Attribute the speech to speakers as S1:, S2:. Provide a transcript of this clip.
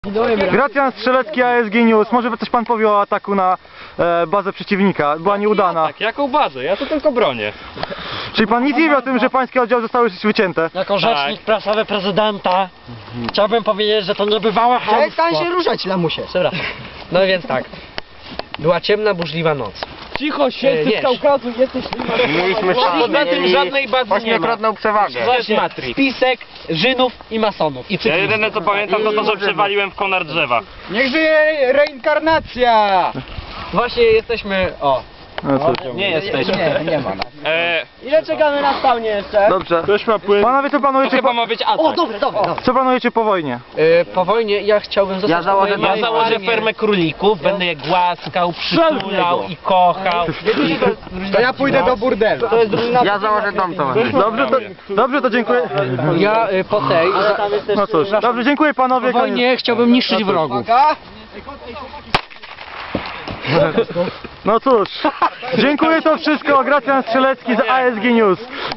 S1: Gracjan Strzelecki, ASG News. Może coś pan powie o ataku na bazę przeciwnika? Była nieudana.
S2: Tak, jaką bazę? Ja to tylko bronię.
S1: Czyli pan nic nie wie o tym, że pańskie oddziały zostały wycięte?
S3: Jako rzecznik prasowy prezydenta chciałbym powiedzieć, że to niebywałe chamstwo.
S4: Przestań się ruszać, lamusie.
S3: Przepraszam. No więc tak. Była ciemna, burzliwa noc.
S2: Cicho, święty
S3: nie.
S2: z Kaukazu, jesteś...
S5: Mówiliśmy,
S3: A poza tym żadnej bazy nie ma.
S5: ośmiokrotną przewagę.
S3: Właśnie spisek Żydów i masonów. I
S2: Ja
S3: cyklistów.
S2: jedyne co pamiętam to, że przewaliłem w konar drzewa.
S4: Niech żyje reinkarnacja!
S3: Właśnie jesteśmy... O.
S1: No cóż.
S3: Nie jesteśmy.
S4: Nie ma nas.
S3: Ile czekamy na spawnie jeszcze?
S1: Dobrze. Panowie, co planujecie,
S2: Chyba ma być atak.
S3: O, dobra.
S1: co planujecie po wojnie?
S3: Po wojnie ja chciałbym zostać... Ja założę fermę królików, będę je głaskał, przytulał i kochał.
S4: To ja pójdę do burdelu.
S5: Ja założę dom to.
S1: Dobrze, to dziękuję.
S3: Ja po tej...
S1: No cóż, dobrze, dziękuję panowie.
S3: Po wojnie chciałbym niszczyć wrogów.
S1: No cóż, dziękuję, to wszystko. Gracjan Strzelecki z ASG News.